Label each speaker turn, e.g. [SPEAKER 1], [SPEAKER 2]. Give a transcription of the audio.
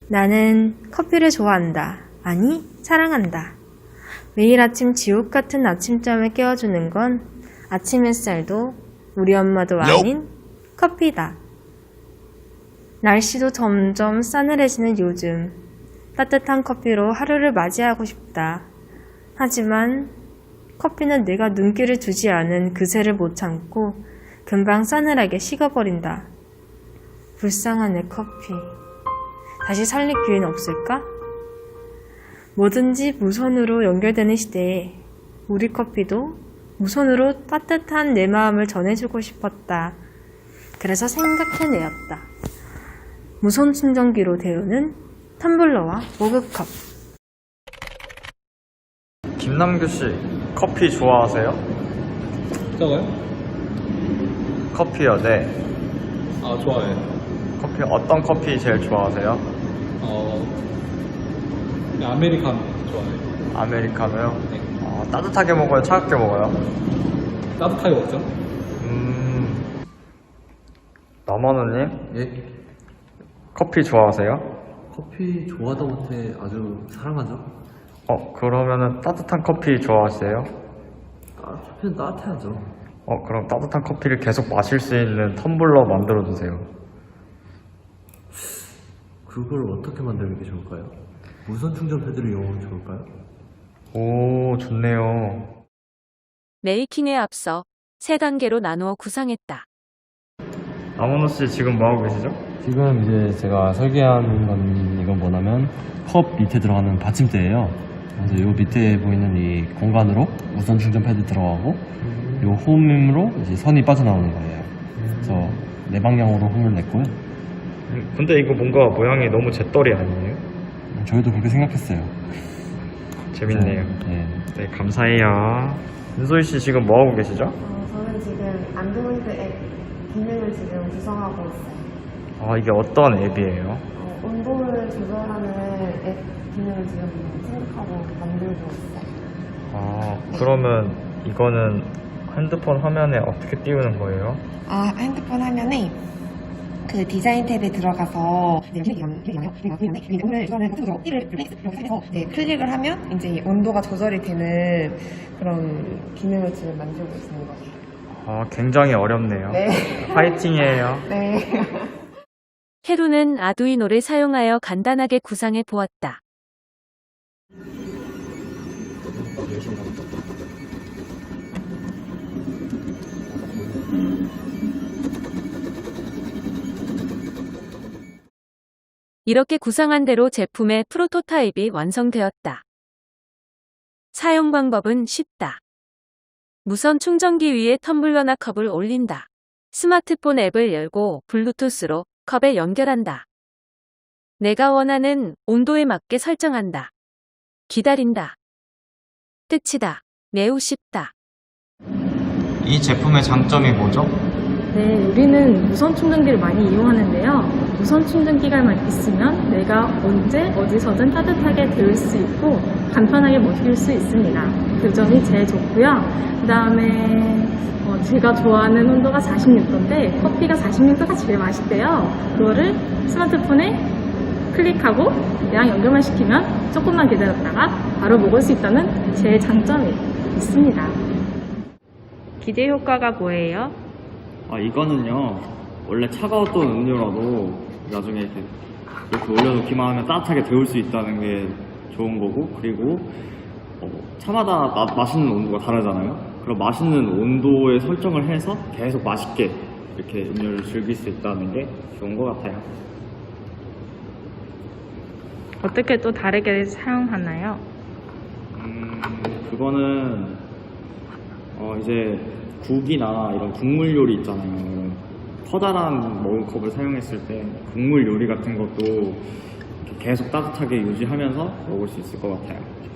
[SPEAKER 1] 나는 커피를 좋아한다. 아니, 사랑한다. 매일 아침 지옥 같은 아침잠을 깨워주는 건 아침 햇살도 우리 엄마도 아닌 커피다. 날씨도 점점 싸늘해지는 요즘, 따뜻한 커피로 하루를 맞이하고 싶다. 하지만 커피는 내가 눈길을 주지 않은 그새를 못 참고 금방 싸늘하게 식어버린다. 불쌍한 내 커피. 다시 살릴 기회는 없을까? 뭐든지 무선으로 연결되는 시대에 우리 커피도 무선으로 따뜻한 내 마음을 전해주고 싶었다. 그래서 생각해내었다. 무선 충전기로 데우는 텀블러와 머그컵.
[SPEAKER 2] 김남규 씨, 커피 좋아하세요?
[SPEAKER 3] 저거요?
[SPEAKER 2] 커피요, 네.
[SPEAKER 3] 아, 좋아해요.
[SPEAKER 2] 커피 어떤 커피 제일 좋아하세요?
[SPEAKER 3] 아메리카노 좋아해요.
[SPEAKER 2] 아메리카노요?
[SPEAKER 3] 네.
[SPEAKER 2] 따뜻하게 먹어요, 차갑게 먹어요?
[SPEAKER 3] 따뜻하게 먹죠?
[SPEAKER 2] 남원우님,
[SPEAKER 4] 예?
[SPEAKER 2] 커피 좋아하세요?
[SPEAKER 4] 커피 좋아하다 못해 아주 사랑하죠?
[SPEAKER 2] 그러면은 따뜻한 커피 좋아하세요?
[SPEAKER 4] 커피는 따뜻해야죠.
[SPEAKER 2] 그럼 따뜻한 커피를 계속 마실 수 있는 텀블러 만들어주세요.
[SPEAKER 4] 그걸 어떻게 만드는 게 좋을까요? 무선 충전 패드를 이용하면 좋을까요?
[SPEAKER 2] 오, 좋네요.
[SPEAKER 5] 메이킹에 앞서 3단계로 나누어 구상했다.
[SPEAKER 2] 남원우 씨 지금 뭐하고 계시죠?
[SPEAKER 6] 지금 이제 제가 설계한 건 이건 뭐냐면 컵 밑에 들어가는 받침대예요. 그래서 요 밑에 보이는 이 공간으로 무선 충전 패드 들어가고 요 홈으로 이제 선이 빠져나오는 거예요. 그래서 네 방향으로 홈을 냈고요.
[SPEAKER 2] 근데 이거 뭔가 모양이 너무 재떨이 아니에요?
[SPEAKER 6] 저희도 그렇게 생각했어요.
[SPEAKER 2] 재밌네요.
[SPEAKER 6] 네.
[SPEAKER 2] 네, 감사해요. 윤소희 씨 지금 뭐하고 계시죠?
[SPEAKER 1] 저는 지금 안드로이드 앱 기능을 지금 구성하고 있어요.
[SPEAKER 2] 이게 어떤 앱이에요?
[SPEAKER 1] 온도를 조절하는 앱 기능을 지금 생각하고 만들고 있어요.
[SPEAKER 2] 그러면 이거는 핸드폰 화면에 어떻게 띄우는 거예요?
[SPEAKER 7] 핸드폰 화면에 그 디자인 탭에 들어가서 클릭을 하면 이제 온도가 조절이 되는 그런 기능을 지금 만들고 있는 거예요.
[SPEAKER 2] 굉장히 어렵네요.
[SPEAKER 7] 네.
[SPEAKER 2] 파이팅이에요.
[SPEAKER 7] 네.
[SPEAKER 5] 해루는 아두이노를 사용하여 간단하게 구상해 보았다. 이렇게 구상한 대로 제품의 프로토타입이 완성되었다. 사용 방법은 쉽다. 무선 충전기 위에 텀블러나 컵을 올린다. 스마트폰 앱을 열고 블루투스로 컵에 연결한다. 내가 원하는 온도에 맞게 설정한다. 기다린다. 끝이다. 매우 쉽다.
[SPEAKER 2] 이 제품의 장점이 뭐죠?
[SPEAKER 8] 네, 우리는 무선 충전기를 많이 이용하는데요. 무선 충전기가 있으면 내가 언제 어디서든 따뜻하게 데울 수 있고 간편하게 먹일 수 있습니다. 그 점이 제일 좋고요. 그 다음에 제가 좋아하는 온도가 46도인데 커피가 46도가 제일 맛있대요. 그거를 스마트폰에 클릭하고 그냥 연결만 시키면 조금만 기다렸다가 바로 먹을 수 있다는 제 장점이 있습니다.
[SPEAKER 1] 기대 효과가 뭐예요?
[SPEAKER 9] 이거는요, 원래 차가웠던 음료라도 나중에 이렇게 올려놓기만 하면 따뜻하게 데울 수 있다는 게 좋은 거고, 그리고 차마다 맛있는 온도가 다르잖아요. 그럼 맛있는 온도에 설정을 해서 계속 맛있게 이렇게 음료를 즐길 수 있다는 게 좋은 것 같아요.
[SPEAKER 1] 어떻게 또 다르게 사용하나요?
[SPEAKER 9] 그거는 이제 국이나 이런 국물 요리 있잖아요. 커다란 머그컵을 사용했을 때 국물 요리 같은 것도 계속 따뜻하게 유지하면서 먹을 수 있을 것 같아요.